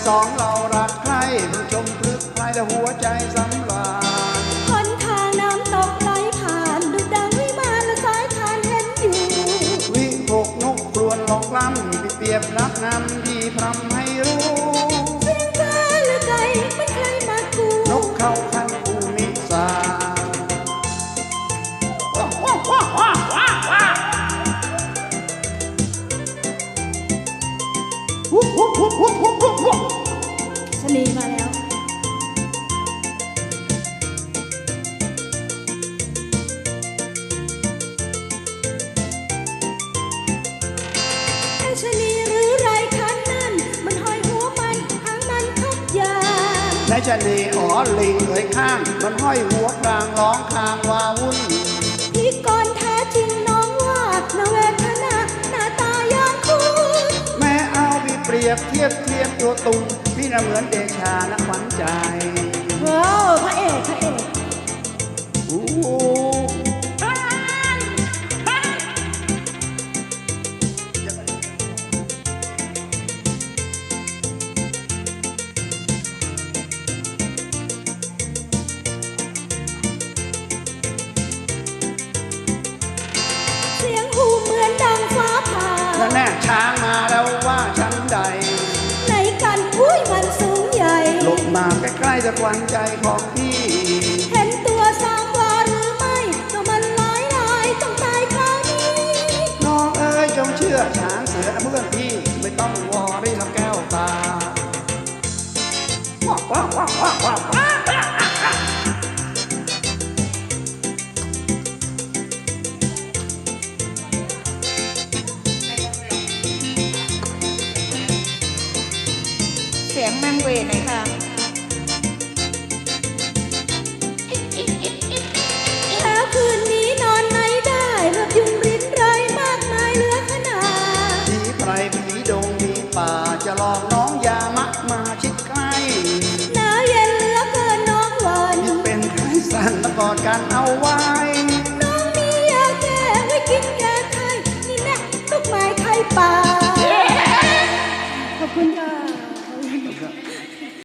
สองเรารักใครเพิ่งชมพลึกใครแต่หัวใจสำราญหนทางน้ำตกไหลผ่านดุจดังวิมานและสายทานเห็นอยู่วิหกนกครวญหลอกล้ำเปรียบรักนำที่พรำให้รู้เสียงฟ้าหรือไก่มันใครมากูนกเขาคันภูมิสาชนีมาแล้วชนีหรือไรคันนั่นมันห้อยหัวมันหางมันทุกอย่างในชนีอ๋อลิงเอ่ยข้างมันห้อยหัวกลางร้องคางวาวุ่นพี่กรแท้จริงน้องว่านาเวทนาหน้าตาอย่างคุณแม่เอาพี่เปรียบเทียบตัวตุงพี่น่ะเหมือนเดชานักขวัญใจว้าวพระเอกเสียงหูเหมือนดังฟ้าผ่าแล้วแน่ช้างมาแล้วว่าฉันใดไหนกันอุ้ยมันสูงใหญ่หลบมาใกล้ๆจะควันใจของพี่เห็นตัวสามวาหรือไม่ก็มันลายต้องตายคราวนี้น้องเอ๋ยจงเชื่อช้างเสือเพื่อนพี่ไม่ต้องวอรี่ลำแก้วตาเสียงแมงเวหน่อยค่ะแล้วคืนนี้นอนไหนได้แบบยุงริ้นไรมากมายเหลือขนาดผีไพรผีดงผีป่าจะลองน้องยามะมาชิดใกล้หนาวเย็นเหลือเกินน้องวันเป็นไข้สั่นแล้วกอดกันเอาไว้น้องมียาแก้ไว้กินแก้ไข้นี่แน่ลูกไม้ไข้ป่าขอบคุณค่ะ